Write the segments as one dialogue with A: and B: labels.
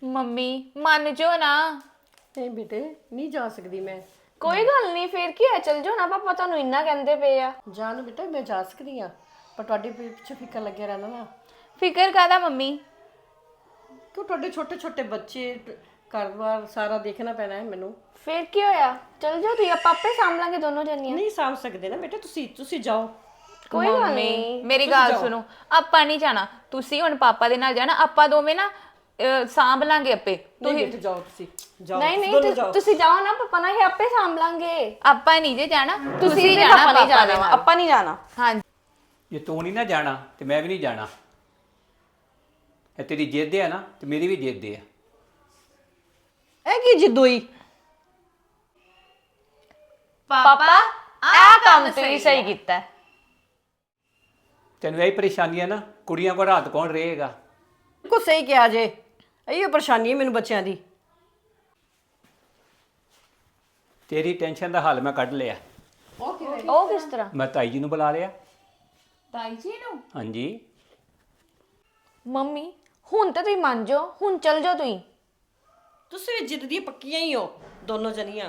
A: Mummy ਮੰਨ ਜੋ ਨਾ।
B: ਨਹੀਂ ਬੇਟੇ ਨਹੀਂ ਜਾ ਸਕਦੀ ਮੈਂ।
A: ਕੋਈ ਗੱਲ ਨਹੀਂ, ਫੇਰ ਕੀ ਹੈ, ਚਲ ਜਾਓ ਨਾ, ਪਾਪਾ ਤੁਹਾਨੂੰ ਇੰਨਾ ਕਹਿੰਦੇ ਪਏ ਆ।
B: ਜਾਨ ਬੇਟਾ ਮੈਂ ਜਾ ਸਕਦੀ ਆ, ਪਰ ਤੁਹਾਡੇ ਪਿੱਛੇ ਫਿਕਰ ਲੱਗਿਆ ਰਹਿਣਾ ਨਾ।
A: ਫਿਕਰ ਕਾਹਦਾ ਮੰਮੀ?
B: ਕਿਉਂ ਤੁਹਾਡੇ ਛੋਟੇ ਛੋਟੇ ਬੱਚੇ, ਘਰ-ਬਾਰ ਸਾਰਾ ਦੇਖਣਾ ਪੈਣਾ ਹੈ ਮੈਨੂੰ।
A: ਫੇਰ ਕੀ ਹੋਇਆ, ਚਲ ਜਾਓ ਤੁਸੀਂ, ਆਪਾਂ ਆਪੇ ਸਾਂਭ ਲਾਂਗੇ ਦੋਨੋਂ ਜਣੀਆਂ।
B: ਨਹੀਂ ਸਾਂਭ ਸਕਦੇ ਨਾ ਬੇਟਾ, ਤੁਸੀਂ ਜਾਓ।
A: ਕੋਈ ਗੱਲ ਨਹੀਂ, ਮੇਰੀ ਗੱਲ ਸੁਣੋ, ਆਪਾਂ ਨਹੀਂ ਜਾਣਾ, ਤੁਸੀਂ ਹੁਣ ਪਾਪਾ ਦੇ ਨਾਲ ਜਾਣਾ, ਆਪਾਂ ਦੋਵੇਂ ਨਾ ਸਾਂਭ ਲਾਂਗੇ ਆਪੇ।
B: ਨਹੀਂ ਬੇਟੇ ਜਾਓ, ਤੁਸੀਂ ਜਾਓ।
A: ਨਹੀਂ ਨਹੀਂ, ਤੁਸੀਂ ਜਾਓ ਨਾ, ਪਾਪਾ ਨਾਲ ਹੀ ਆਪੇ ਸਾਂਭ ਲਾਂਗੇ। ਆਪਾਂ ਨਹੀਂ ਜੇ ਜਾਣਾ, ਤੁਸੀਂ ਜਾਣਾ,
C: ਪਾਪਾ ਨਹੀਂ
A: ਪਾਪਾ
C: ਜਾਣਾ, ਆਪਾਂ ਨਹੀਂ ਜਾਣਾ।
A: ਹਾਂ
D: ਜੇ ਤੂੰ ਨਹੀਂ ਨਾ ਜਾਣਾ ਤੇ ਮੈਂ ਵੀ ਨਹੀਂ ਜਾਣਾ। ਇਹ ਤੇਰੀ ਜਿੱਦ ਹੈ ਨਾ, ਤੇ ਮੇਰੀ ਵੀ ਜਿੱਦ ਹੈ।
B: ਇਹ ਕੀ ਜਿੱਦੋਈ?
A: ਪਾਪਾ
C: ਆਹ ਕੰਮ ਤੁਸੀਂ ਸਹੀ ਕੀਤਾ ਹੈ।
D: ਤੈਨੂੰ ਇਹੀ ਪਰੇਸ਼ਾਨੀ ਹੈ ਨਾ, ਕੁੜੀਆਂ ਕੋਲ ਰਾਤ ਕੌਣ ਰਹੇਗਾ?
B: ਕੋ ਸਹੀ ਕਿਹਾ ਜੇ, ਇਹੋ ਪਰੇਸ਼ਾਨੀ ਹੈ ਮੈਨੂੰ ਬੱਚਿਆਂ ਦੀ।
D: ਤੇਰੀ ਟੈਨਸ਼ਨ ਦਾ ਹੱਲ ਮੈਂ ਕੱਢ ਲਿਆ।
C: ਉਹ ਕਿਸ ਤਰ੍ਹਾਂ?
D: ਮੈਂ ਤਾਈ ਜੀ ਨੂੰ ਬੁਲਾ ਲਿਆ।
A: ਤਾਈ ਜੀ ਨੂੰ?
D: ਹਾਂਜੀ।
A: ਮੰਮੀ ਹੁਣ ਤਾਂ ਤੁਸੀਂ ਮੰਨ ਜਾਓ, ਹੁਣ ਚਲ ਜਾਓ ਤੁਸੀਂ।
B: ਤੁਸੀਂ ਵੀ ਜਿੱਦ ਦੀਆਂ ਪੱਕੀਆਂ ਹੀ ਹੋ ਦੋਨੋਂ ਜਣੀਆਂ।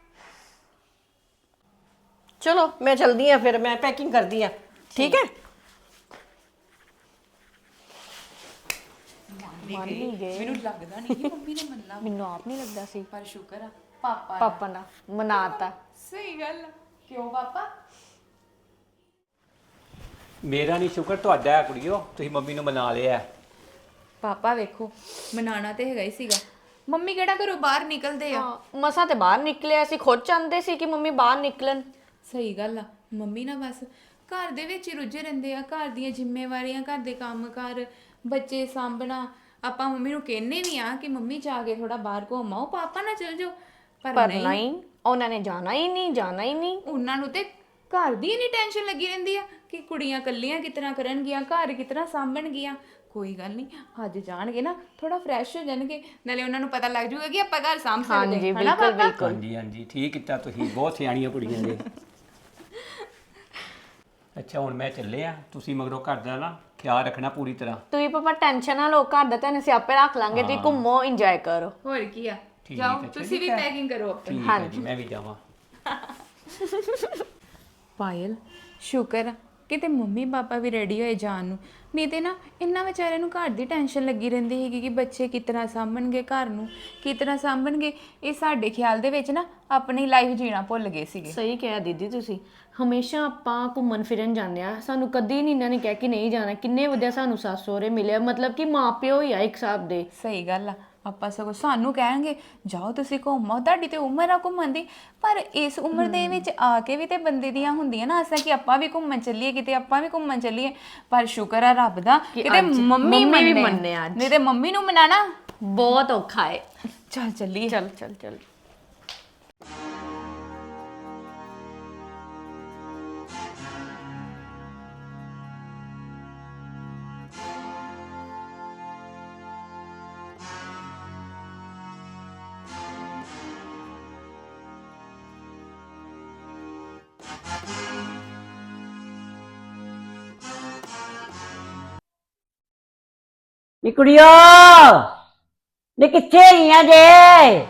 B: ਚਲੋ ਮੈਂ ਚਲਦੀ ਆ, ਫਿਰ ਮੈਂ ਪੈਕਿੰਗ ਕਰਦੀ ਆ, ਠੀਕ ਹੈ?
A: ਮੈਨੂੰ ਲੱਗਦਾ ਨਹੀਂ ਕਿ ਮੰਮੀ ਨੇ ਮੰਨਣਾ, ਮੈਨੂੰ ਆਪ ਨਹੀਂ ਲੱਗਦਾ ਸੀ, ਪਰ ਸ਼ੁਕਰ ਆ ਪਾਪਾ ਦਾ ਮਨਾਤਾ। ਸਹੀ ਗੱਲ। ਕਿਉਂ ਪਾਪਾ?
D: ਮੇਰਾ ਨਹੀਂ ਸ਼ੁਕਰ, ਤੁਹਾਡਾ ਹੈ ਕੁੜੀਓ, ਤੁਸੀਂ ਮੰਮੀ ਨੂੰ ਮਨਾ ਲਿਆ।
A: ਪਾਪਾ ਵੇਖੋ, ਮਨਾਣਾ ਤੇ ਹੈਗਾ ਹੀ ਸੀਗਾ। ਮੰਮੀ ਕਿਹੜਾ ਘਰੋਂ ਬਾਹਰ ਨਿਕਲਦੇ ਆ?
C: ਮਸਾਂ ਤੇ ਬਾਹਰ ਨਿਕਲੇ, ਅਸੀਂ ਖੁਦ ਚਾਹੁੰਦੇ ਸੀ ਕਿ ਮੰਮੀ ਬਾਹਰ ਨਿਕਲਣ।
A: ਸਹੀ ਗੱਲ ਆ, ਮੰਮੀ ਨਾ ਬਸ ਘਰ ਦੇ ਵਿੱਚ ਹੀ ਰੁੱਝੇ ਰਹਿੰਦੇ ਆ, ਘਰ ਦੀਆਂ ਜ਼ਿੰਮੇਵਾਰੀਆਂ, ਘਰ ਦੇ ਕੰਮ-ਕਾਰ, ਬੱਚੇ ਸਾਂਭਣਾ। ਆਪਾਂ ਮੰਮੀ ਨੂੰ ਕਹਿੰਨੇ ਵੀ ਆ ਕਿ ਮੰਮੀ ਜਾ ਕੇ ਥੋੜਾ ਬਾਹਰ ਘੁੰਮ ਆਓ, ਪਾਪਾ ਨਾ ਚਲ ਜਾਓ,
C: ਪਰ ਨਹੀਂ, ਉਹਨਾਂ ਨੇ ਜਾਣਾ ਹੀ ਨਹੀਂ, ਜਾਣਾ ਹੀ ਨਹੀਂ।
A: ਉਹਨਾਂ ਨੂੰ ਤੇ ਘਰ ਦੀ ਇੰਨੀ ਟੈਨਸ਼ਨ ਲੱਗੀ ਰਹਿੰਦੀ ਆ ਕਿ ਕੁੜੀਆਂ ਇਕੱਲੀਆਂ ਕਿਤਨਾ ਕਰਨਗੀਆਂ, ਘਰ ਕਿਤਨਾ ਸਾਂਭਣਗੀਆਂ। ਕੋਈ ਗੱਲ ਨਹੀਂ, ਅੱਜ ਜਾਣਗੇ ਨਾ ਥੋੜਾ ਫਰੈਸ਼ ਹੋ ਜਾਣਗੇ, ਨਾਲੇ ਉਹਨਾਂ ਨੂੰ ਪਤਾ ਲੱਗ ਜਾਊਗਾ ਕਿ ਆਪਾਂ ਘਰ ਸਾਂਭ ਸਕਦੇ ਹਾਂ, ਹਨਾ ਪਾਪਾ?
D: ਹਾਂਜੀ ਹਾਂਜੀ, ਠੀਕ ਕੀਤਾ ਤੁਸੀਂ, ਬਹੁਤ ਸਿਆਣੀਆਂ ਕੁੜੀਆਂ ਨੇ। ਅੱਛਾ ਹੁਣ ਮੈਂ ਚੱਲੇ ਆ, ਤੁਸੀਂ ਮਗਰੋਂ ਘਰ ਦਾ ਨਾ ਖਿਆਲ ਰੱਖਣਾ ਪੂਰੀ ਤਰ੍ਹਾਂ।
C: ਤੁਸੀਂ ਪਾਪਾ ਟੈਨਸ਼ਨ ਨਾ ਲਓ, ਘਰ ਦਾ ਤਾਂ ਅਸੀਂ ਆਪੇ ਰੱਖ ਲਾਂਗੇ, ਤੁਸੀਂ ਘੁੰਮੋ, ਇੰਜੋਏ ਕਰੋ।
A: ਹੋਰ ਕੀ ਆ,
D: ਠੀਕ
A: ਜਾਓ
D: ਹੈ,
A: ਤੁਸੀਂ ਵੀ ਪੈਕਿੰਗ ਕਰੋ ਆਪਣੀ।
D: ਠੀਕ ਹੈ ਜੀ, ਮੈਂ ਵੀ ਜਾਵਾਂ।
A: ਪਾਇਲ ਸ਼ੁਕਰ ਆ ਕਿਤੇ ਮੰਮੀ ਪਾਪਾ ਵੀ ਰੈਡੀ ਹੋਏ ਜਾਣ ਨੂੰ, ਨਹੀਂ ਤੇ ਨਾ ਇੰਨਾ ਵਿਚਾਰਿਆਂ ਨੂੰ ਘਰ ਦੀ ਟੈਨਸ਼ਨ ਲੱਗੀ ਰਹਿੰਦੀ ਹੈਗੀ ਕਿ ਬੱਚੇ ਕਿਤਨਾ ਸਾਂਭਣਗੇ, ਘਰ ਨੂੰ ਕਿਤਨਾ ਸਾਂਭਣਗੇ। ਇਹ ਸਾਡੇ ਖਿਆਲ ਦੇ ਵਿੱਚ ਨਾ ਆਪਣੀ ਲਾਈਫ ਜੀਣਾ ਭੁੱਲ ਗਏ ਸੀਗੇ।
C: ਸਹੀ ਕਿਹਾ ਦੀਦੀ ਤੁਸੀਂ, ਹਮੇਸ਼ਾ ਆਪਾਂ ਘੁੰਮਣ ਫਿਰਨ ਜਾਂਦੇ ਆ, ਸਾਨੂੰ ਕਦੀ ਨਹੀਂ ਇਹਨਾਂ ਨੇ ਕਿਹਾ ਕਿ ਨਹੀਂ ਜਾਣਾ। ਕਿੰਨੇ ਵਧੀਆ ਸਾਨੂੰ ਸੱਸ ਸਹੁਰੇ ਮਿਲੇ, ਮਤਲਬ ਕਿ ਮਾਂ ਪਿਓ ਹੀ ਆ ਇੱਕ ਹਿਸਾਬ ਦੇ।
A: ਸਹੀ ਗੱਲ ਆ, ਆਪਾਂ ਸਗੋਂ ਸਾਨੂੰ ਕਹਿਣਗੇ ਜਾਓ ਤੁਸੀਂ ਘੁੰਮੋ, ਤੁਹਾਡੀ ਤੇ ਉਮਰ ਆ ਘੁੰਮਣ ਦੀ, ਪਰ ਇਸ ਉਮਰ ਦੇ ਵਿੱਚ ਆ ਕੇ ਵੀ ਤੇ ਬੰਦੇ ਦੀਆਂ ਹੁੰਦੀਆਂ ਨਾ ਆਸਾਂ ਕਿ ਆਪਾਂ ਵੀ ਘੁੰਮਣ ਚੱਲੀਏ, ਕਿਤੇ ਆਪਾਂ ਵੀ ਘੁੰਮਣ ਚੱਲੀਏ। ਪਰ ਸ਼ੁਕਰ ਆ ਰੱਬ ਦਾ ਕਿਤੇ ਮੰਮੀ
C: ਵੀ
A: ਮੰਨੇ
C: ਮੰਨੇ ਅੱਜ।
A: ਨਹੀਂ ਤੇ ਮੰਮੀ ਨੂੰ ਮਨਾਣਾ
C: ਬਹੁਤ ਔਖਾ ਹੈ।
A: ਚੱਲ ਚੱਲੀਏ।
C: ਚੱਲ ਚੱਲ ਚੱਲ।
E: ਨੀ ਕੁੜੀਓ, ਨੀ ਕਿੱਥੇ ਆਈਆਂ ਜੇ?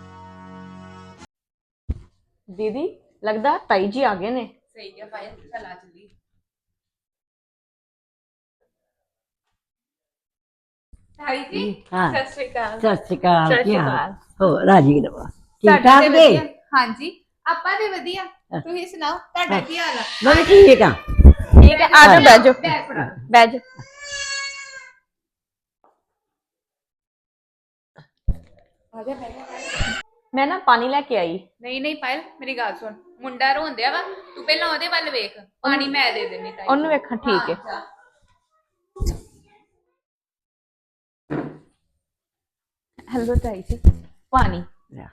C: ਦੀਦੀ ਲੱਗਦਾ ਤਾਈ ਜੀ ਆ ਗਏ ਨੇ।
A: ਸਹੀ ਆ ਪਾਇਲ, ਚੱਲ ਆ ਚੱਲੀਏ। ਤਾਈ ਜੀ
E: ਹਾਂ
A: ਸਤਿ ਸ਼੍ਰੀ ਅਕਾਲ।
E: ਸਤਿ ਸ਼੍ਰੀ ਅਕਾਲ।
C: ਸਤਿ ਸ਼੍ਰੀ
E: ਕੀ ਹਾਲ?
C: ਅਕਾਲ।
E: ਹੋ ਰਾਜੀ ਰਵਾ, ਠੀਕ
A: ਤੁਹਾਡਾ
E: ਠਾਕ
A: ਤੇ
E: ਜੀ?
A: ਵਧੀਆ। ਹਾਂਜੀ ਆਪਾਂ ਤੇ ਵਧੀਆ, ਤੁਸੀਂ ਸੁਣਾਓ ਤੁਹਾਡਾ ਕੀ ਹਾਲ ਆ?
E: ਮੈਂ ਵੀ ਠੀਕ ਆ।
C: ਠੀਕ ਹੈ, ਆ ਜਾਓ, ਬਹਿ ਜਾਓ,
A: ਬੈਠ ਫੜਾ।
C: ਬਹਿ ਜਾਓ।
A: ਆ ਜਾ ਬੈਠ।
C: ਮੈਂ ਨਾ ਪਾਣੀ ਲੈ ਕੇ ਆਈ।
A: ਨਹੀਂ ਨਹੀਂ ਪਾਇਲ ਮੇਰੀ ਗੱਲ ਸੁਣ, ਮੁੰਡਾ ਰੋਂਦਿਆ ਵਾ, ਤੂੰ ਪਹਿਲਾਂ ਉਹਦੇ ਵੱਲ ਵੇਖ, ਪਾਣੀ ਮੈਂ ਦੇ ਦੇਣੀ ਤਾਈ।
C: ਉਹਨੂੰ ਵੇਖਾਂ, ਠੀਕ ਹੈ।
A: ਹੈਲੋ ਤਾਈ ਜੀ, ਪਾਣੀ।
E: ਲਿਆ।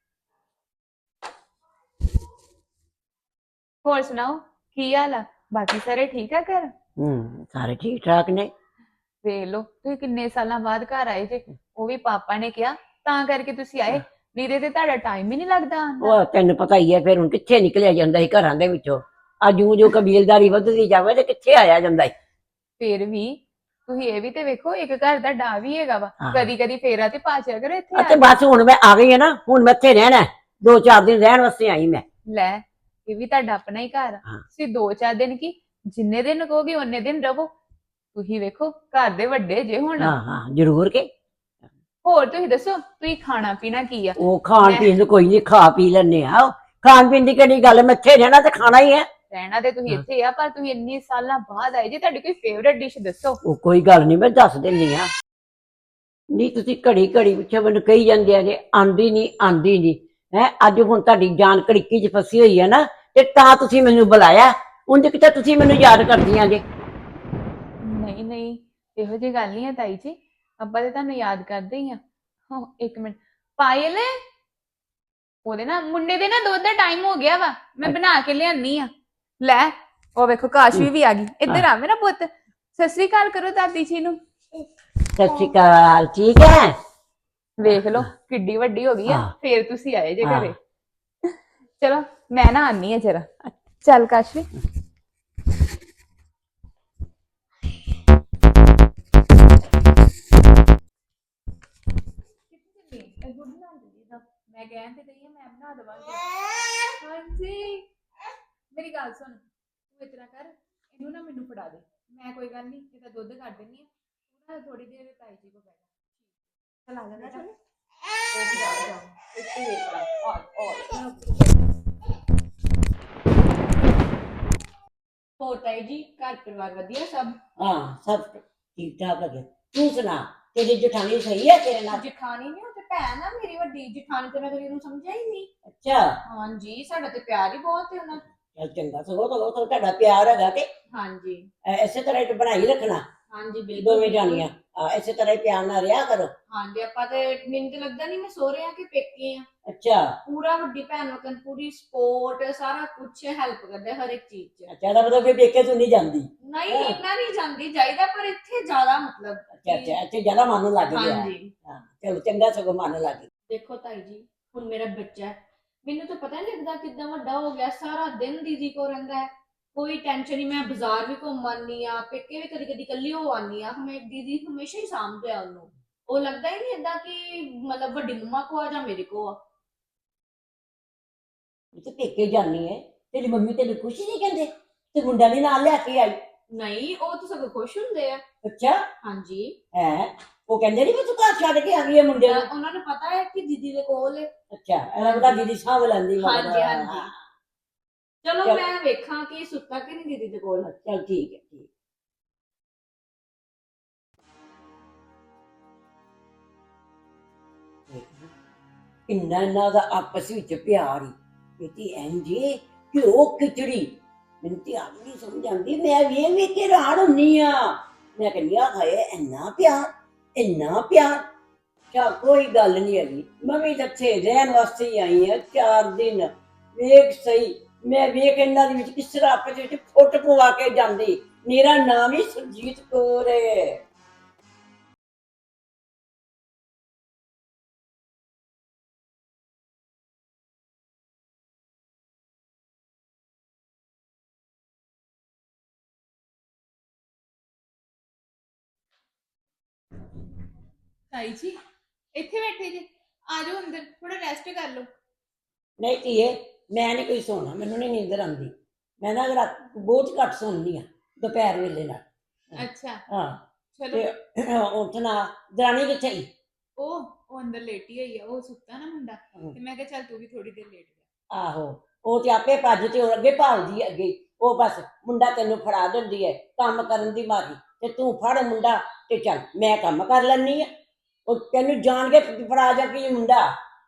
A: ਹੋਰ ਸੁਣਾਓ ਕੀ ਹਾਲ ਆ? ਬਾਕੀ ਸਾਰੇ ਠੀਕ ਆ ਘਰ?
E: ਸਾਰੇ ਠੀਕ ਠਾਕ ਨੇ।
A: ਵੇਖ ਲਓ ਤੁਸੀਂ ਕਿੰਨੇ ਸਾਲਾਂ ਬਾਅਦ ਘਰ ਆਏ ਜੇ, ਉਹ ਵੀ ਪਾਪਾ ਨੇ ਕਿਹਾ ਤਾਂ ਕਰਕੇ ਤੁਸੀਂ ਆਏ, ਨਹੀਂ ਤੇ ਤੁਹਾਡਾ ਟਾਈਮ ਹੀ ਨਹੀਂ ਲੱਗਦਾ ਆਉਣ ਦਾ।
E: ਉਹ ਤੈਨੂੰ ਪਤਾ ਹੀ ਹੈ, ਫਿਰ ਹੁਣ ਕਿੱਥੇ ਨਿਕਲਿਆ ਜਾਂਦਾ ਸੀ ਘਰਾਂ ਦੇ ਵਿੱਚੋਂ। ਅੱਜ ਜੋ ਕਬੀਲਦਾਰੀ ਵੱਧਦੀ ਜਾਵੇ ਤੇ ਕਿੱਥੇ ਆਇਆ ਜਾਂਦਾ ਹੈ।
A: ਫਿਰ ਵੀ ਤੁਸੀਂ ਇਹ ਵੀ ਤੇ ਵੇਖੋ, ਇੱਕ ਘਰ ਦਾ ਡਾ ਵੀ ਹੈਗਾ ਵਾ।
E: ਹਾਂ।
A: ਕਦੀ ਕਦੀ ਫੇਰਾ ਤੇ ਪਾ ਚਿਆ ਕਰੋ ਇੱਥੇ ਆ
E: ਅਤੇ
A: ਕੇ।
E: ਬਸ ਹੁਣ ਮੈਂ ਆ ਗਈ ਹੈ ਨਾ, ਹੁਣ ਮੈਂ ਇੱਥੇ ਰਹਿਣਾ ਹੈ। 2-4 ਦਿਨ ਰਹਿਣ ਵਾਸਤੇ ਆਈ ਮੈਂ।
A: ਲੈ, ਇਹ ਵੀ ਤੁਹਾਡਾ ਆਪਣਾ ਹੀ ਘਰ ਆ।
E: ਹਾਂ।
A: ਤੁਸੀਂ 2-4 ਦਿਨ ਕੀ, ਜਿੰਨੇ ਦਿਨ ਕਹੋਗੇ ਉਹਨੇ ਦਿਨ ਰਹੋ। ਤੁਸੀਂ ਵੇਖੋ, ਘਰ ਦੇ ਵੱਡੇ ਜੇ ਹੁਣ।
E: ਹਾਂ ਹਾਂ ਜ਼ਰੂਰ ਕੇ।
A: ਹੋਰ ਤੁਸੀਂ ਦੱਸੋ, ਤੁਸੀਂ ਖਾਣਾ ਪੀਣਾ ਕੀ ਆ?
E: ਉਹ ਖਾਣ
A: ਮੈਂ-
E: ਪੀਣ ਨੂੰ ਕੋਈ ਨਹੀਂ, ਖਾ ਪੀ ਲੈਣੇ ਆ। ਖਾਣ ਪੀਣ ਦੀ ਕਿਹੜੀ ਗੱਲ ਹੈ, ਮੈਂ ਇੱਥੇ ਰਹਿਣਾ ਤੇ ਖਾਣਾ ਹੀ ਹੈ।
A: ਰਹਿਣਾ ਤੇ ਤੁਸੀਂ
E: ਹਾਂ।
A: ਇੱਥੇ ਆ, ਪਰ ਤੁਸੀਂ ਇੰਨੇ ਸਾਲਾਂ ਬਾਅਦ ਆਏ ਜੇ, ਤੁਹਾਡੀ ਕੋਈ ਫੇਵਰੇਟ ਡਿਸ਼ ਦੱਸੋ।
E: ਉਹ ਕੋਈ ਗੱਲ ਨਹੀਂ, ਮੈਂ ਦੱਸ ਦਿੰਦੀ ਆ। ਨਹੀਂ ਤੁਸੀਂ ਘੜੀ ਘੜੀ ਪਿੱਛੇ ਮੈਨੂੰ ਕਹੀ ਜਾਂਦੇ ਆ ਜੇ ਆਂਦੀ ਨਹੀਂ ਆਂਦੀ ਨਹੀਂ ਹੈ। ਅੱਜ ਹੁਣ ਤੁਹਾਡੀ ਜਾਨ ਕੜਿੱਕੀ 'ਚ ਫਸੀ ਹੋਈ ਹੈ ਨਾ, ਤੇ ਤਾਂ ਤੁਸੀਂ ਮੈਨੂੰ ਬੁਲਾਇਆ। ਉਂਝ ਕਿਤੇ ਤੁਸੀਂ ਮੈਨੂੰ ਯਾਦ ਕਰਦੀਆਂ ਜੇ।
A: ਨਹੀਂ ਨਹੀਂ, ਇਹੋ ਜਿਹੀ ਗੱਲ ਨਹੀਂ ਹੈ ਤਾਈ ਜੀ, ਆਪਾਂ ਤੇ ਤੁਹਾਨੂੰ ਯਾਦ ਕਰਦੇ ਹੀ ਆ। ਹਾਂ, ਇੱਕ ਮਿੰਟ। ਪਾਇਲ, ਉਹਦੇ ਨਾ ਮੁੰਡੇ ਦੇ ਨਾ ਦੁੱਧ ਦਾ ਟਾਈਮ ਹੋ ਗਿਆ ਵਾ, ਮੈਂ ਬਣਾ ਕੇ ਲਿਆਨੀ ਆ। ਲੈ, ਉਹ ਵੇਖੋ ਕਾਸ਼ਵੀ ਵੀ ਆ ਗਈ। ਇੱਧਰ ਆ ਮੇਰਾ ਪੁੱਤ। ਸਤਿ ਸ੍ਰੀ ਅਕਾਲ ਕਰੋ ਦਾਦੀ ਜੀ ਨੂੰ।
E: ਸਤਿ ਸ਼੍ਰੀ ਅਕਾਲ, ਠੀਕ ਹੈ।
A: ਵੇਖ ਲਓ ਕਿੱਡੀ ਵੱਡੀ ਹੋ ਗਈ ਆ,
E: ਹਾਂ।
A: ਫੇਰ ਤੁਸੀਂ ਆਏ ਜੇ
E: ਹਾਂ।
A: ਘਰੇ। ਚਲੋ ਮੈਂ ਨਾ ਆਨੀ ਆ ਜਰਾ। ਚੱਲ ਕਾਸ਼ਵੀ। ਮੈਂ ਕਹਿਣ ਤੇ ਗਈ ਮੈਂ ਬਣਾ ਦਵਾਂਗੀ। ਹਾਂਜੀ, ਮੇਰੀ ਗੱਲ ਸੁਣ, ਤੂੰ ਇਤਨਾ ਕਰ, ਇਹਨੂੰ ਨਾ ਮੈਨੂੰ ਫੜਾ ਦੇ। ਮੈਂ ਕੋਈ ਗੱਲ ਨਹੀਂ, ਇਹਦਾ ਦੁੱਧ ਕੱਢ ਦਿੰਨੀ ਆ। ਤੂੰ ਨਾ ਥੋੜੀ ਦੇਰ ਤਾਈ ਜੀ ਕੋ ਬੈਠ ਜਾ। ਚਲ ਆ ਜਾ ਬੇਟਾ।
C: ਹੋਰ ਤਾਈ ਜੀ, ਘਰ ਪਰਿਵਾਰ ਵਧੀਆ ਸਭ?
E: ਹਾਂ ਸਭ ਠੀਕ ਠਾਕ ਹੈ। ਤੂੰ ਸੁਣਾ, ਤੇਰੀ ਜਠਾਣੀ ਸਹੀ ਹੈ ਤੇਰੇ ਨਾਲ?
C: ਜਠਾਣੀ ਨਹੀਂ, ਉਹ ਤੇ ਭੈਣ ਆ ਮੇਰੀ ਵੱਡੀ। ਜਠਾਣੀ ਤੇ ਮੈਂ ਕਦੀ ਉਹਨੂੰ ਸਮਝਿਆ ਹੀ ਨਹੀਂ।
E: ਅੱਛਾ।
C: ਹਾਂਜੀ, ਸਾਡਾ ਤੇ ਪਿਆਰ ਹੀ ਬਹੁਤ ਹੈ ਉਹਨਾਂ।
E: ਚੱਲ ਚੰਗਾ, ਸਗੋਂ ਤੁਹਾਡਾ ਪਿਆਰ ਹੈਗਾ ਤੇ
C: ਹਾਂਜੀ
E: ਇਸੇ ਤਰ੍ਹਾਂ ਹੀ ਬਣਾਈ ਰੱਖਣਾ
C: ਹਾਂਜੀ ਬਿਲਕੁਲ
E: ਦੋਵੇਂ ਜਾਣੀਆਂ। ਇਸੇ ਤਰ੍ਹਾਂ ਹੀ ਪਿਆਰ ਨਾਲ ਰਿਹਾ ਕਰੋ।
C: ਹਾਂਜੀ, ਆਪਾਂ ਤੇ ਮੈਨੂੰ ਤੇ ਲੱਗਦਾ ਨਹੀਂ ਮੈਂ ਸਹੁਰੇ ਆ ਕਿ ਪੇਕੇ ਆ।
E: ਅੱਛਾ
C: ਪੂਰਾ ਵੱਡੀ ਭੈਣ ਨੂੰ ਪੂਰੀ ਸਪੋਰਟ, ਸਾਰਾ ਕੁਝ ਹੈਲਪ ਕਰਦਾ ਹਰ ਇੱਕ ਚੀਜ਼ 'ਚ।
E: ਅੱਛਾ, ਇਹਦਾ ਮਤਲਬ ਕਿ ਪੇਕੇ ਤੂੰ ਨਹੀਂ ਜਾਂਦੀ।
C: ਨਹੀਂ, ਇੰਨਾ ਨਹੀਂ ਜਾਂਦੀ ਜਾਈਦਾ, ਪਰ ਇੱਥੇ ਜ਼ਿਆਦਾ ਮਤਲਬ
E: ਅੱਛਾ ਅੱਛਾ, ਇੱਥੇ ਜ਼ਿਆਦਾ ਮਨ ਲੱਗ ਗਿਆ।
C: ਹਾਂਜੀ।
E: ਹਾਂ ਚਲੋ ਚੰਗਾ, ਸਗੋਂ ਮਨ ਲੱਗ ਗਿਆ।
C: ਦੇਖੋ ਤਾਈ ਜੀ, ਹੁਣ ਮੇਰਾ ਬੱਚਾ ਹੈ, ਮੈਨੂੰ ਤਾਂ ਪਤਾ ਨਹੀਂ ਲੱਗਦਾ ਕਿੱਦਾਂ ਵੱਡਾ ਹੋ ਗਿਆ। ਸਾਰਾ ਦਿਨ ਦੀਦੀ ਕੋਲ ਰਹਿੰਦਾ ਹੈ, ਕੋਈ ਟੈਨਸ਼ਨ ਨਹੀਂ। ਮੈਂ ਬਾਜ਼ਾਰ ਵੀ ਘੁੰਮ ਆਉਂਦੀ ਆ, ਪੇਕੇ ਵੀ ਕਦੀ ਕਦੀ ਇਕੱਲੀ ਹੋ ਆਉਂਦੀ ਆ। ਮੈਂ ਦੀਦੀ ਹਮੇਸ਼ਾ ਹੀ ਸਾਂਭਦੇ ਆ ਉਹਨੂੰ। ਉਹ ਲੱਗਦਾ ਹੀ ਨਹੀਂ ਏਦਾਂ ਕਿ ਮਤਲਬ ਵੱਡੀ ਮੰਮਾ ਕੋ ਆ ਜਾਂ ਮੇਰੇ ਕੋ ਆ।
E: ਤੂੰ ਪੇਕੇ ਜਾਨੀ ਹੈ, ਤੇਰੀ ਮੰਮੀ ਤੈਨੂੰ ਕੁਛ ਨਹੀਂ ਕਹਿੰਦੇ? ਤੇ ਮੁੰਡਾ ਵੀ ਨਾਲ ਲੈ ਕੇ ਆਈ?
C: ਨਹੀਂ, ਉਹ ਤਾਂ ਸਗੋਂ ਖੁਸ਼ ਹੁੰਦੇ ਆ।
E: ਅੱਛਾ
C: ਹਾਂਜੀ,
E: ਹੈ। ਉਹ ਕਹਿੰਦੇ ਨਹੀਂ ਵੀ ਤੂੰ ਘਰ ਛੱਡ ਕੇ ਆ ਗਈ ਹੈ ਮੁੰਡੇ ਨੂੰ?
C: ਉਹਨਾਂ ਨੂੰ ਪਤਾ ਹੈ ਕਿ ਦੀਦੀ ਦੇ ਕੋਲ ਹੈ।
E: ਅੱਛਾ, ਇਹਨਾਂ ਦਾ ਦੀਦੀ ਸਾਂਭ ਲੈਂਦੀ ਮਗਰ।
C: ਹਾਂਜੀ ਹਾਂਜੀ। ਚਲੋ
E: ਚੱਲ।
C: ਮੈਂ ਵੇਖਾਂ ਕਿ ਸੁੱਤਾ ਕਿ ਨਹੀਂ ਦੀਦੀ ਦੇ ਕੋਲ।
E: ਚਲ ਠੀਕ ਹੈ, ਠੀਕ। ਕਿੰਨਾ ਇਹਨਾਂ ਦਾ ਆਪਸ ਵਿੱਚ ਪਿਆਰ ਹੀ ਬੇਟੀ ਇੰਜੇ ਕਿ ਉਹ ਖਿਚੜੀ। ਮੈਨੂੰ ਤੇ ਆਪ ਨਹੀਂ ਸਮਝ ਆਉਂਦੀ। ਮੈਂ ਵੇਖ ਕੇ ਹੈਰਾਨ ਹੁੰਨੀ ਆ। ਮੈਂ ਕਹਿੰਦੀ ਆ ਹਾਏ ਇੰਨਾ ਪਿਆਰ, ਇੰਨਾ ਪਿਆਰ। ਚਾ ਕੋਈ ਗੱਲ ਨਹੀਂ ਹੈਗੀ, ਮੈਂ ਵੀ ਤਾਂ ਇੱਥੇ ਰਹਿਣ ਵਾਸਤੇ ਹੀ ਆਈ ਆ 4 ਦਿਨ। ਵੇਖ ਸਹੀ, ਮੈਂ ਵੇਖ ਇਹਨਾਂ ਦੇ ਵਿੱਚ ਕਿਸ ਤਰ੍ਹਾਂ ਆਪਸ ਵਿੱਚ ਫੁੱਟ ਪਵਾ ਕੇ ਜਾਂਦੀ। ਮੇਰਾ ਨਾਮ ਹੀ ਸੁਰਜੀਤ ਕੌਰ ਹੈ।
A: ਤਾਈ ਜੀ ਇੱਥੇ ਬੈਠੇ ਜੇ, ਆ ਜਾਓ ਅੰਦਰ, ਥੋੜਾ ਰੈਸਟ ਕਰ ਲਓ।
E: ਨਹੀਂ ਧੀਏ, ਮੈਂ ਨਹੀਂ ਕੋਈ ਸੋਣਾ, ਮੈਨੂੰ ਨਹੀਂ ਨੀਂਦਰ ਆਉਂਦੀ। ਮੈਂ ਨਾ ਰਾਤ ਬਹੁਤ ਘੱਟ ਸੌਂਦੀ ਆ ਦੁਪਹਿਰ ਵੇਲੇ ਨਾਲ।
A: ਅੱਛਾ
E: ਹਾਂ
A: ਚਲੋ।
E: ਤੇ ਉੱਠਣਾ। ਦਰਾਣੀ ਕਿੱਥੇ ਗਈ?
A: ਉਹ ਅੰਦਰ ਲੇਟੀ ਹੋਈ ਆ, ਉਹ ਸੁੱਤਾ ਨਾ ਮੁੰਡਾ, ਤੇ ਮੈਂ ਕਿਹਾ ਚੱਲ ਤੂੰ ਵੀ ਥੋੜੀ ਦੇਰ ਲੇਟ ਜਾ।
E: ਆਹੋ, ਉਹ ਤੇ ਆਪੇ ਭੱਜ ਤੇ ਉਹ ਅੱਗੇ ਭਾਲਦੀ ਹੈ ਅੱਗੇ। ਉਹ ਬਸ ਮੁੰਡਾ ਤੈਨੂੰ ਫੜਾ ਦਿੰਦੀ ਹੈ ਕੰਮ ਕਰਨ ਦੀ ਮਾਰੀ, ਤੇ ਤੂੰ ਫੜ ਮੁੰਡਾ ਤੇ ਚੱਲ ਮੈਂ ਕੰਮ ਕਰ ਲੈਣੀ ਆ। ਉਹ ਤੈਨੂੰ ਜਾਣ ਕੇ ਫੜਾ ਜਾ ਕਿ ਮੁੰਡਾ।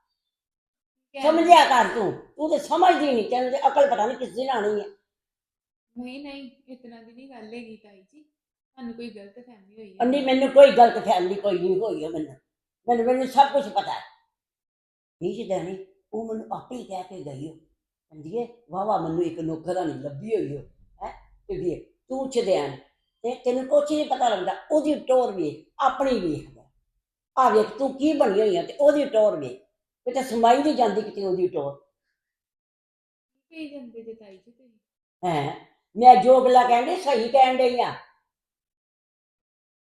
E: ਸਮਝਿਆ ਕਰ ਤੂੰ, ਤੂੰ ਤੇ ਸਮਝਦੀ ਨਹੀਂ। ਤੈਨੂੰ ਤੇ ਅਕਲ ਪਤਾ ਨਹੀਂ ਕਿਸ ਦਿਨ ਆਣੀ ਹੈ।
A: ਨਹੀਂ ਨਹੀਂ, ਇਤਨਾ ਦੀ ਨਹੀਂ ਗੱਲ ਹੈਗੀ ਤਾਈ ਜੀ, ਤੁਹਾਨੂੰ ਕੋਈ ਗਲਤ ਫਹਿਮੀ ਹੋਈ ਹੈ।
E: ਅੰਨੀ ਮੈਨੂੰ ਕੋਈ ਗਲਤ ਫਹਿਮੀ ਕੋਈ ਨਹੀਂ ਹੋਈ ਹੈ। ਮੈਨੂੰ ਸਭ ਕੁਝ ਪਤਾ ਹੈ। ਠੀਕ ਹੈ ਨਹੀਂ, ਉਹ ਮੈਨੂੰ ਆਪੇ ਹੀ ਕਹਿ ਕੇ ਗਈ। ਉਹ ਕਹਿੰਦੀ ਹੈ ਵਾਵਾ ਮੈਨੂੰ ਇੱਕ ਨੌਕਰਾਨੀ ਲੱਭੀ ਹੋਈ ਹੋ ਹੈ। ਤੇ ਵੇਖ ਤੂੰ ਚਦੈਨ ਤੇ ਤੈਨੂੰ ਕੁਛ ਨਹੀਂ ਪਤਾ ਲੱਗਦਾ। ਉਹਦੀ ਟੋਰ ਵੇਖ, ਆਪਣੀ ਵੇਖ। ਆ ਵੇਖ ਤੂੰ ਕੀ ਬਣੀ ਹੋਈ ਆ, ਤੇ ਉਹਦੀ ਟੋਰ ਵੇਖ। ਕਿਤੇ ਸਮਾਈ ਨਹੀਂ ਜਾਂਦੀ ਕਿਤੇ ਉਹਦੀ ਟੋਰ।
A: ਕੀ ਜਾਂਦੇ ਜੇ ਤਾਈ ਜੀ ਤੁਸੀਂ?
E: ਹੈ ਮੈਂ ਜੋ ਗੱਲਾਂ ਕਹਿੰਦੀ ਸਹੀ ਕਹਿਣ ਡਈ ਆ।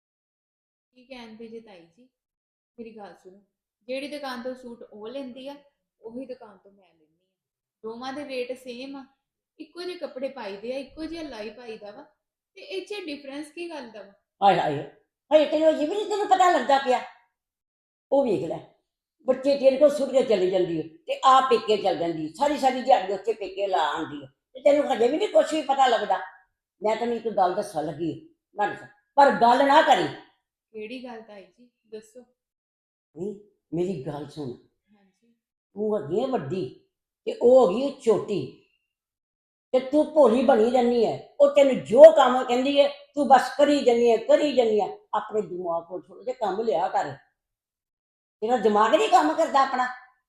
A: ਕੀ ਕਹਿੰਦੇ ਜੇ ਤਾਈ ਜੀ, ਮੇਰੀ ਗੱਲ ਸੁਣੋ, ਜਿਹੜੀ ਦੁਕਾਨ ਤੋਂ ਸੂਟ ਉਹ ਲੈਂਦੀ ਆ ਉਹੀ ਦੁਕਾਨ ਤੋਂ ਮੈਂ ਲੈਂਦੀ ਆ। ਦੋਵਾਂ ਦੇ ਰੇਟ ਸੇਮ ਆ, ਇੱਕੋ ਜਿਹੇ ਕੱਪੜੇ ਪਾਈਦੇ ਆ, ਇੱਕੋ ਜਿਹਾ ਲਾਈ ਪਾਈਦਾ ਵਾ, ਤੇ ਇਹ 'ਚ ਡਿਫਰੈਂਸ ਕੀ ਗੱਲ ਦਾ ਵਾ?
E: ਹਾਏ ਹਾਏ ਹਾਏ, ਤੈਨੂੰ ਇਹ ਵੀ ਨਹੀਂ ਤੈਨੂੰ ਪਤਾ ਲੱਗਦਾ ਪਿਆ। ਉਹ ਵੇਖ ਲੈ, ਬੱਚੇ ਤੇਰੇ ਕੋਲ ਸੁੱਟ ਕੇ ਚਲੀ ਜਾਂਦੀ ਹੈ ਤੇ ਆ ਪੇਕੇ ਚਲ ਜਾਂਦੀ ਹੈ, ਸਾਰੀ ਸਾਰੀ ਦਿਹਾੜੀ ਉੱਥੇ ਪੇਕੇ ਲਾ ਆਉਂਦੀ ਹੈ ਤੇ ਤੈਨੂੰ ਹਜੇ ਵੀ ਨਹੀਂ ਕੁਛ ਵੀ ਪਤਾ ਲੱਗਦਾ। ਮੈਂ ਤੈਨੂੰ ਇੱਕ ਗੱਲ ਦੱਸਣ ਲੱਗੀ ਹਾਂ, ਪਰ ਗੱਲ ਨਾ ਕਰੀ।
A: ਕਿਹੜੀ ਗੱਲ ਤਾਈ ਜੀ, ਦੱਸੋ।
E: ਨਹੀਂ, ਮੇਰੀ ਗੱਲ ਸੁਣ,
A: ਹਾਂਜੀ।
E: ਤੂੰ ਹੈਗੀ ਹੈ ਵੱਡੀ ਤੇ ਉਹ ਹੈਗੀ ਹੈ ਛੋਟੀ, ਤੇ ਤੂੰ ਭੋਲੀ ਬਣੀ ਰਹਿੰਦੀ ਹੈ। ਉਹ ਤੈਨੂੰ ਜੋ ਕੰਮ ਕਹਿੰਦੀ ਹੈ ਤੂੰ ਬਸ ਕਰੀ ਜਾਂਦੀ ਹੈ, ਕਰੀ ਜਾਂਦੀ ਹੈ। ਆਪਣੇ ਦਿਮਾਗ ਕੋਲ ਥੋੜਾ ਜਿਹਾ ਕੰਮ ਲਿਆ ਕਰ, ਤੇਰਾ ਦਿਮਾਗ ਨਹੀਂ ਕੰਮ ਕਰਦਾ ਆਪਣਾ।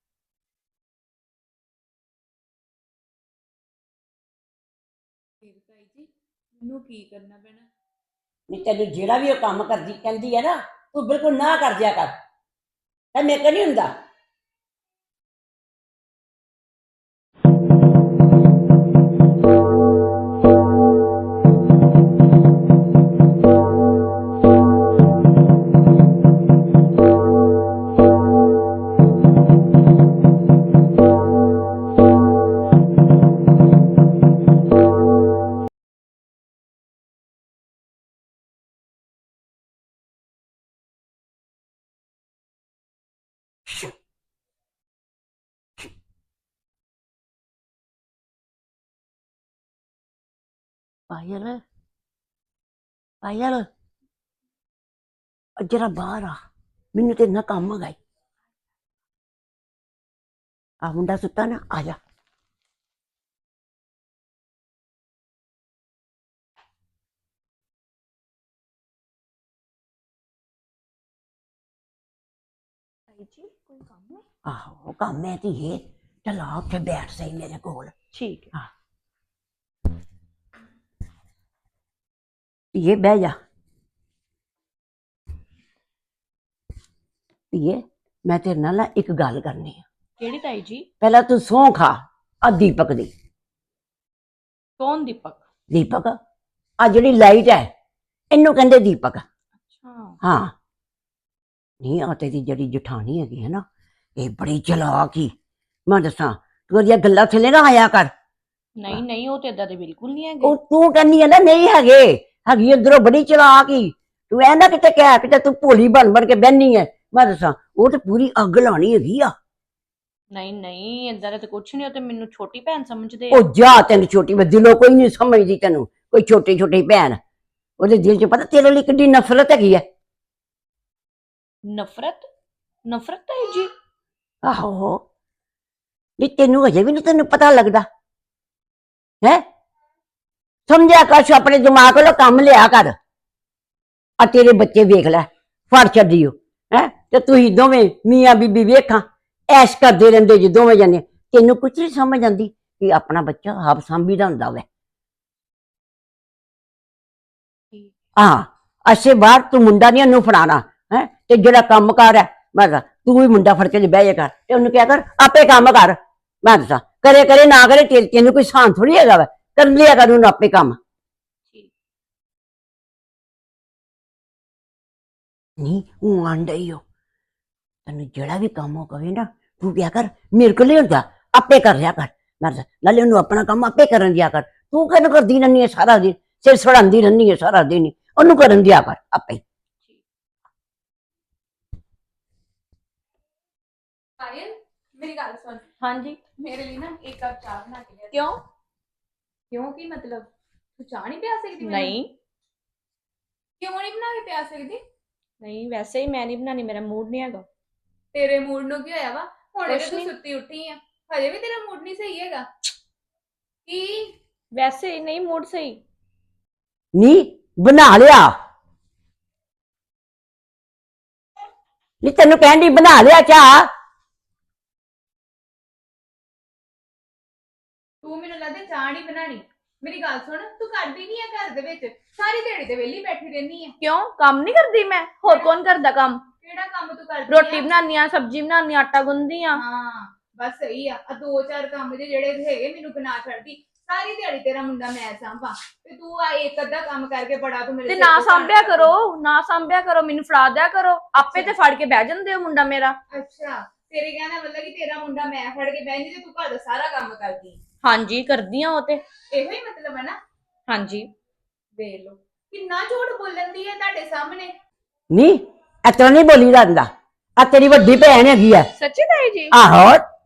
A: ਫਿਰ ਤਾਈ ਜੀ ਮੈਨੂੰ ਕੀ ਕਰਨਾ ਪੈਣਾ?
E: ਨਹੀਂ, ਤੈਨੂੰ ਜਿਹੜਾ ਵੀ ਉਹ ਕੰਮ ਕਰਦੀ ਕਹਿੰਦੀ ਹੈ ਨਾ, ਤੂੰ ਬਿਲਕੁਲ ਨਾ ਕਰ ਦਿਆ ਕਰ। ਤਾਂ ਮੇਰੇ ਕੋਲ ਨਹੀਂ ਹੁੰਦਾ। ਪਾਇਲ, ਪਾਇਲ, ਜਰਾ ਬਾਹਰ ਆ, ਮੈਨੂੰ ਤੇ ਨਾ ਕੰਮ ਹੈਗਾ ਈ। ਆ ਮੁੰਡਾ ਸੁੱਤਾ ਨਾ, ਆ ਜਾ।
C: ਤਾਈ ਜੀ ਕੋਈ ਕੰਮ ਹੈ?
E: ਆਹੋ ਕੰਮ ਹੈ ਧੀਏ, ਚੱਲ ਆ ਉੱਥੇ ਬੈਠ ਸਹੀ ਮੇਰੇ ਕੋਲ।
C: ਠੀਕ ਹੈ।
E: ਧੀਏ ਬਹਿ ਜਾ। ਧੀਏ, ਮੈਂ ਤੇਰੇ ਨਾਲ ਨਾ ਇੱਕ ਗੱਲ ਕਰਨੀ ਆ।
C: ਕਿਹੜੀ ਤਾਈ ਜੀ?
E: ਪਹਿਲਾਂ ਤੂੰ ਸਹੁੰ ਖਾ ਆ ਦੀਪਕ ਦੀ।
C: ਕੌਣ ਦੀਪਕ?
E: ਦੀਪਕ, ਆ ਜਿਹੜੀ ਲਾਈਟ ਹੈ ਇਹਨੂੰ ਕਹਿੰਦੇ ਦੀਪਕ।
C: ਅੱਛਾ।
E: ਹਾਂ, ਨਹੀਂ ਆ ਤੇਰੀ ਜਿਹੜੀ ਜਠਾਣੀ ਹੈਗੀ ਹੈ ਨਾ, ਇਹ ਬੜੀ ਚਲਾਕ ਹੀ। ਮੈਂ ਦੱਸਾਂ, ਤੂੰ ਉਹਦੀਆਂ ਗੱਲਾਂ ਥੱਲੇ ਨਾ ਆਇਆ ਕਰ।
C: ਨਹੀਂ ਨਹੀਂ, ਉਹ ਤੇ ਏਦਾਂ ਦੇ ਬਿਲਕੁਲ ਨਹੀਂ ਹੈਗੇ।
E: ਉਹ ਤੂੰ ਕਹਿੰਦੀ ਹੈ ਨਾ ਨਹੀਂ ਹੈਗੇ, ਹੈਗੀ ਇੱਧਰੋਂ ਬੜੀ ਚਲਾਕ ਹੀ। ਤੂੰ ਇਹ ਨਾ ਕਿਤੇ ਕਹਿ ਕਿਤੇ ਤੂੰ ਭੋਲੀ ਬਣ ਬਣ ਕੇ ਬਹਿਨੀ ਹੈ। ਮੈਂ ਦੱਸਾਂ, ਉਹ ਤੇ ਪੂਰੀ ਅੱਗ ਲਾਉਣੀ ਹੈਗੀ ਆ।
C: ਨਹੀਂ ਨਹੀਂ, ਏਦਾਂ ਦਾ ਤੇ ਕੁਛ ਨਹੀਂ, ਉਹ ਤੇ ਮੈਨੂੰ ਛੋਟੀ ਭੈਣ ਸਮਝਦੇ ਆ।
E: ਉਹ ਜਾ, ਤੈਨੂੰ ਛੋਟੀ ਮੈਂ ਦਿਲੋਂ ਕੋਈ ਨਹੀਂ ਸਮਝਦੀ, ਤੈਨੂੰ ਕੋਈ ਛੋਟੀ ਛੋਟੀ ਭੈਣ। ਉਹਦੇ ਦਿਲ 'ਚ ਪਤਾ ਤੇਰੇ ਲਈ ਕਿੰਨੀ ਨਫ਼ਰਤ ਹੈਗੀ ਹੈ।
C: ਨਫ਼ਰਤ? ਨਫ਼ਰਤ ਤਾਈ ਜੀ?
E: ਆਹੋ, ਨਹੀਂ ਤੈਨੂੰ ਅਜੇ ਵੀ ਨਹੀਂ ਤੈਨੂੰ ਪਤਾ ਲੱਗਦਾ ਹੈ। ਸਮਝਿਆ ਕਰ, ਆਪਣੇ ਦਿਮਾਗ ਕੋਲੋਂ ਕੰਮ ਲਿਆ ਕਰ। ਆ ਤੇਰੇ ਬੱਚੇ ਵੇਖ ਲੈ, ਫੜ ਛੱਡੀਓ ਹੈ, ਤੇ ਤੁਸੀਂ ਦੋਵੇਂ ਮੀਆਂ ਬੀਬੀ ਵੇਖਾਂ ਐਸ਼ ਕਰਦੇ ਰਹਿੰਦੇ ਜੀ ਦੋਵੇਂ ਜਣੇ। ਤੈਨੂੰ ਕੁਛ ਨਹੀਂ ਸਮਝ ਆਉਂਦੀ ਕਿ ਆਪਣਾ ਬੱਚਾ ਆਪ ਸਾਂਭੀਦਾ ਹੁੰਦਾ ਵੈ। ਹਾਂ, ਅੱਛੇ ਬਾਹਰ ਤੂੰ ਮੁੰਡਾ ਨਹੀਂ ਉਹਨੂੰ ਫੜਾਣਾ ਹੈ, ਤੇ ਜਿਹੜਾ ਕੰਮ ਕਾਰ ਹੈ ਮੈਂ ਦੱਸਾਂ ਤੂੰ ਵੀ ਮੁੰਡਾ ਫੜ ਕੇ ਬਹਿ ਜਾ ਕਰ, ਤੇ ਉਹਨੂੰ ਕਿਹਾ ਕਰ ਆਪੇ ਕੰਮ ਕਰ। ਮੈਂ ਦੱਸਾਂ ਕਰੇ ਕਰੇ ਨਾ ਕਰੇ, ਤੈਨੂੰ ਕੋਈ ਸਾਨ ਥੋੜੀ ਹੈਗਾ ਵਾ, ਕਰ ਲਿਆ ਕਰ ਉਹਨੂੰ ਆਪੇ ਕੰਮ। ਨਹੀਂ ਉਹ ਆਂਡਾ ਹੀ ਹੋ, ਤੈਨੂੰ ਜਿਹੜਾ ਵੀ ਕੰਮ ਉਹ ਕਵੇ ਨਾ, ਤੂੰ ਕਿਹਾ ਕਰ ਮੇਰੇ ਕੋਲ ਨਹੀਂ ਹੁੰਦਾ, ਆਪੇ ਕਰ ਲਿਆ ਕਰ। ਮੈਂ ਦੱਸਾਂ ਨਾਲੇ ਉਹਨੂੰ ਆਪਣਾ ਕੰਮ ਆਪੇ ਕਰਨ ਦਿਆ ਕਰ। ਤੂੰ ਕਿਹਨੂੰ ਕਰਦੀ ਰਹਿੰਦੀ ਹੈ ਸਾਰਾ ਦਿਨ, ਸਿਰ ਸੜਾਉਂਦੀ ਰਹਿੰਦੀ ਹੈ ਸਾਰਾ ਦਿਨ ਹੀ, ਉਹਨੂੰ ਕਰਨ ਦਿਆ ਕਰ ਆਪੇ।
A: ਪਾਇਲ, ਮੇਰੀ ਗੱਲ ਸੁਣ,
C: ਹਾਂਜੀ।
A: ਮੇਰੇ ਲਈ ਨਾ ਇੱਕ ਕੱਪ ਚਾਹ ਬਣਾ ਕੇ ਲਿਆ।
C: ਕਿਉਂ?
A: ਕਿਉਂ ਕੀ ਮਤਲਬ? ਤੂੰ ਚਾਹ ਨਹੀਂ ਪਿਆ ਸਕਦੀ ਮੈਨੂੰ?
C: ਨਹੀਂ
A: ਕਿਉਂ ਨਹੀਂ ਬਣਾ ਕੇ ਪਿਆ ਸਕਦੀ?
C: ਨਹੀਂ, ਵੈਸੇ ਹੀ ਮੈਂ ਨਹੀਂ ਬਣਾਣੀ, ਮੇਰਾ ਮੂਡ ਨਹੀਂ ਹੈਗਾ।
A: ਤੇਰੇ ਮੂਡ ਨੂੰ ਕੀ ਹੋਇਆ ਵਾ? ਹੁਣੇ
C: ਕੁਛ
A: ਤੇ ਤੂੰ
C: ਨੀ।
A: ਸੁੱਤੀ ਉੱਠੀ ਆ, ਹਜੇ ਵੀ ਤੇਰਾ ਮੂਡ ਨਹੀਂ ਸਹੀ ਹੈਗਾ ਕੀ?
C: ਵੈਸੇ ਹੀ ਨਹੀਂ ਮੂਡ ਸਹੀ।
E: ਨਹੀਂ ਬਣਾ ਲਿਆ, ਨਹੀਂ ਤੈਨੂੰ ਕਹਿਣ ਦੀ ਬਣਾ ਲਿਆ ਚਾਹ।
A: ਤੂੰ ਮੈਨੂੰ ਲੱਗਦਾ ਚਾਹ ਨਹੀਂ ਬਣਾਣੀ। ਮੇਰੀ ਗੱਲ ਸੁਣ, ਤੂੰ ਕਰਦੀ ਨਹੀਂ ਆ ਘਰ ਦੇ ਵਿੱਚ, ਸਾਰੀ ਦਿਹਾੜੀ ਤੇ ਵਿਹਲੀ ਬੈਠੀ ਰਹਿੰਦੀ ਆ।
C: ਕਿਉਂ? ਕੰਮ ਨਹੀਂ ਕਰਦੀ ਮੈਂ? ਹੋਰ ਕੌਣ ਕਰਦਾ ਕੰਮ?
A: ਕਿਹੜਾ ਕੰਮ ਤੂੰ ਕਰਦੀ
C: ਰੋਟੀ
A: ਆ?
C: ਬਣਾਉਣੀ ਆ, ਸਬਜ਼ੀ ਬਣਾਉਣੀ ਆ, ਆਟਾ ਗੁੰਨਦੀ ਆ।
A: ਹਾਂ ਬਸ ਸਹੀ ਆ। ਆ ਦੋ ਚਾਰ ਕੰਮ ਜਿਹੜੇ ਹੈਗੇ ਮੈਨੂੰ ਬਣਾ ਛੱਡਦੀ, ਸਾਰੀ ਦਿਹਾੜੀ ਤੇਰਾ ਮੁੰਡਾ ਮੈਂ ਸਾਂਭਾਂ ਤੇ ਤੂੰ ਆ ਇੱਕ ਅੱਧਾ ਕੰਮ ਕਰਕੇ ਬੜਾ ਤੂੰ ਮੇਰੇ
C: ਤੇ
A: ਸਿਰ
C: ਨਾ
A: ਤੋਂ
C: ਸਾਂਭਿਆ
A: ਭਾਰ
C: ਕਰੋ, ਨਾ ਸਾਂਭਿਆ ਕਰੋ, ਮੈਨੂੰ ਫੜਾ ਦਿਆ ਕਰੋ, ਆਪੇ ਤੇ ਫੜ ਕੇ ਬਹਿ ਜਾਂਦੇ ਹੋ ਮੁੰਡਾ ਮੇਰਾ।
A: ਅੱਛਾ ਤੇਰੇ ਕਹਿਣ ਦਾ ਮਤਲਬ ਕਿ ਤੇਰਾ ਮੁੰਡਾ ਮੈਂ ਫੜ ਕੇ ਬਹਿੰਦੀ ਤੇ ਤੂੰ ਘਰ ਦਾ ਸਾਰਾ ਕੰਮ ਕਰਦੀ
C: ਹਾਂਜੀ ਕਰਦੀ ਆ ਉਹ ਤੇ।
A: ਇਹੋ ਹੀ ਮਤਲਬ ਹੈ ਨਾ।
C: ਹਾਂਜੀ
A: ਵੇਖ ਲਓ ਕਿੰਨਾ ਝੂਠ ਬੋਲਣ ਦੀ ਹੈ ਤੁਹਾਡੇ ਸਾਹਮਣੇ।
E: ਨਹੀਂ ਇਤਨਾ ਨਹੀਂ ਬੋਲੀ ਜਾਂਦਾ। ਆ ਤੇਰੀ ਵੱਡੀ ਭੈਣ ਹੈਗੀ ਆ।
C: ਸੱਚੀ ਤਾਈ ਜੀ?
E: ਆਹੋ